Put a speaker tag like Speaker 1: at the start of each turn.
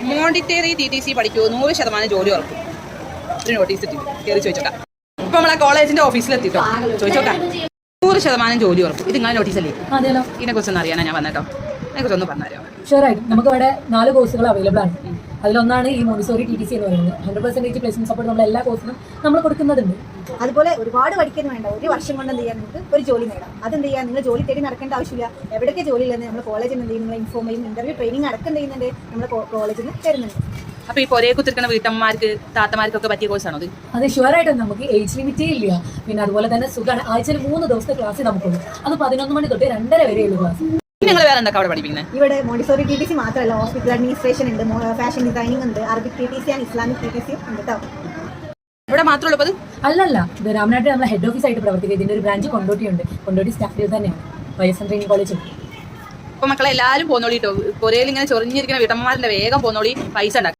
Speaker 1: മോണ്ടിറ്ററി TTC പഠിക്കൂ 100% ജോലി ഉറക്കും. ഒരു നോട്ടീസ് ഇട്ടി കയറി ചോദിച്ചോക്കാം. ഇപ്പൊ നമ്മളെ കോളേജിന്റെ ഓഫീസിലെത്തിട്ടോ, ചോദിച്ചോക്കാം. 100% ജോലി ഉറക്കും. ഇത് നിങ്ങളെ നോട്ടീസല്ലേ? ഇതിനെ കുറിച്ചൊന്നും അറിയാനാ ഞാൻ വന്നേട്ടോ. അതിനെക്കുറിച്ചൊന്ന് പറഞ്ഞുതരാം.
Speaker 2: ഷുവറായിട്ടും നമുക്ക് ഇവിടെ 4 കോഴ്സുകൾ അവൈലബിൾ ആണ്. അതിലൊന്നാണ് ഈ മോണ്ടിസോറി TTC എന്ന് പറയുന്നത്. 100% പ്ലേസ്മെന്റ് സപ്പോർട്ട് നമ്മൾ എല്ലാ കോഴ്സിനും നമ്മൾ കൊടുക്കുന്നതുണ്ട്.
Speaker 3: അതുപോലെ ഒരുപാട് പഠിക്കുന്നു വേണ്ട, ഒരു വർഷം കൊണ്ട് എന്ത് ചെയ്യാൻ നിങ്ങൾക്ക് ഒരു ജോലി നേടാം. അതെന്ത് ചെയ്യാൻ നിങ്ങൾ ജോലി തേടി നടക്കേണ്ട ആവശ്യമില്ല. എവിടെയൊക്കെ ജോലി ഇല്ലെന്ന് നമ്മൾ കോളേജിൽ എന്ത് ചെയ്യും, നമ്മൾ ഇൻഫോം ചെയ്യും, ഇന്റർവ്യൂ ട്രെയിനിങ് അടക്കം ചെയ്യുന്നുണ്ട് നമ്മുടെ കോളേജിൽ നിന്ന് തരുന്നുണ്ട്.
Speaker 1: അപ്പൊ ഈ പൊരയെ കുത്തിരിക്കുന്ന വീട്ടമ്മമാർക്ക് താത്തമാർക്കൊക്കെ പറ്റിയ കോഴ്സാണോ അത്?
Speaker 2: അത് ഷുവറായിട്ടും നമുക്ക് ഏജ് ലിമിറ്റേ ഇല്ല. പിന്നെ അതുപോലെ തന്നെ സുഖമാണ്. ആഴ്ചയിൽ 3 ദിവസത്തെ ക്ലാസ് നമുക്കുള്ളൂ. അത് 11 മണി തൊട്ട് 2:30 വരെയുള്ള ക്ലാസ്.
Speaker 1: നിങ്ങൾ വേറെ എന്തൊക്കെ അവിടെ പഠിപ്പിക്കുന്നത്?
Speaker 3: ഇവിടെ മോണ്ടിസോറി TTC മാത്രമല്ല, ഹോസ്പിറ്റൽ അഡ്മിനിസ്ട്രേഷൻ ഉണ്ട്, ഫാഷൻ ഡിസൈനിങ് ഉണ്ട്, Arabic TTC and Islamic TTC ഉണ്ട് കേട്ടോ.
Speaker 1: ഇവിടെ മാത്രമുള്ളത്
Speaker 2: അല്ലല്ല, ഇത് രാമനാട്ടിൽ നമ്മളെ ഹെഡ് ഓഫീസ് ആയിട്ട് പ്രവർത്തിക്കുക. ഇതിന്റെ ഒരു ബ്രാഞ്ച് കൊണ്ടോട്ടിയുണ്ട്. കൊണ്ടോട്ടി സ്റ്റാഫിൽ തന്നെയാണ് YSM ട്രെയിനിങ് കോളേജ്.
Speaker 1: അപ്പൊ മക്കളെ എല്ലാവരും പോന്നോളിട്ടോ. പൊരയിൽ ഇങ്ങനെ ചൊറിഞ്ഞിരിക്കുന്ന വീട്ടമ്മമാരുടെ വേഗം പോന്നോളി, പൈസ ഉണ്ടാക്കും.